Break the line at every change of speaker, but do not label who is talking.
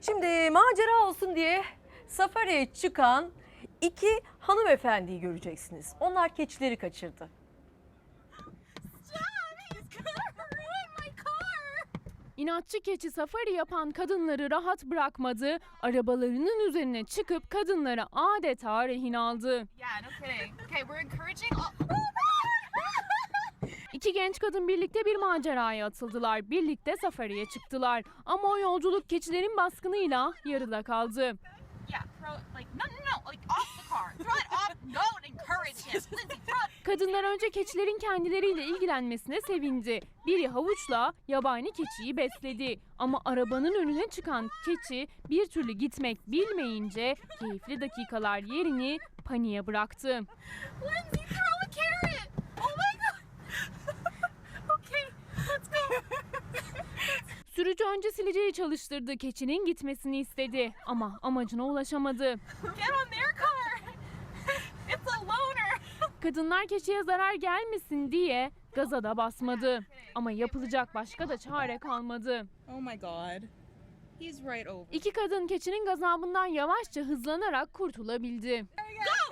Şimdi macera olsun diye safariye çıkan iki hanımefendiyi göreceksiniz. Onlar keçileri kaçırdı.
İnatçı keçi safari yapan kadınları rahat bırakmadı. Arabalarının üzerine çıkıp kadınları adeta rehin aldı.
Yeah, no kidding. Okay, we're encouraging all...
İki genç kadın birlikte bir maceraya atıldılar. Birlikte safariye çıktılar. Ama o yolculuk keçilerin baskınıyla yarıda kaldı.
Yeah, like, no, like off the car. Throw it off. Don't encourage him. Lindsay, throw it.
Kadınlar önce keçilerin kendileriyle ilgilenmesine sevindi. Biri havuçla yabani keçiyi besledi. Ama arabanın önüne çıkan keçi bir türlü gitmek bilmeyince keyifli dakikalar yerini paniğe bıraktı.
Lindsay, throw a carrot. Oh my god. Okay, let's go.
Sürücü önce sileceği çalıştırdı. Keçinin gitmesini istedi. Ama amacına ulaşamadı.
Get on their car. It's a loner.
Kadınlar keçiye zarar gelmesin diye gaza da basmadı. Ama yapılacak başka da çare kalmadı.
Oh my god. He's right over.
İki kadın keçinin gazabından yavaşça hızlanarak kurtulabildi.
Go!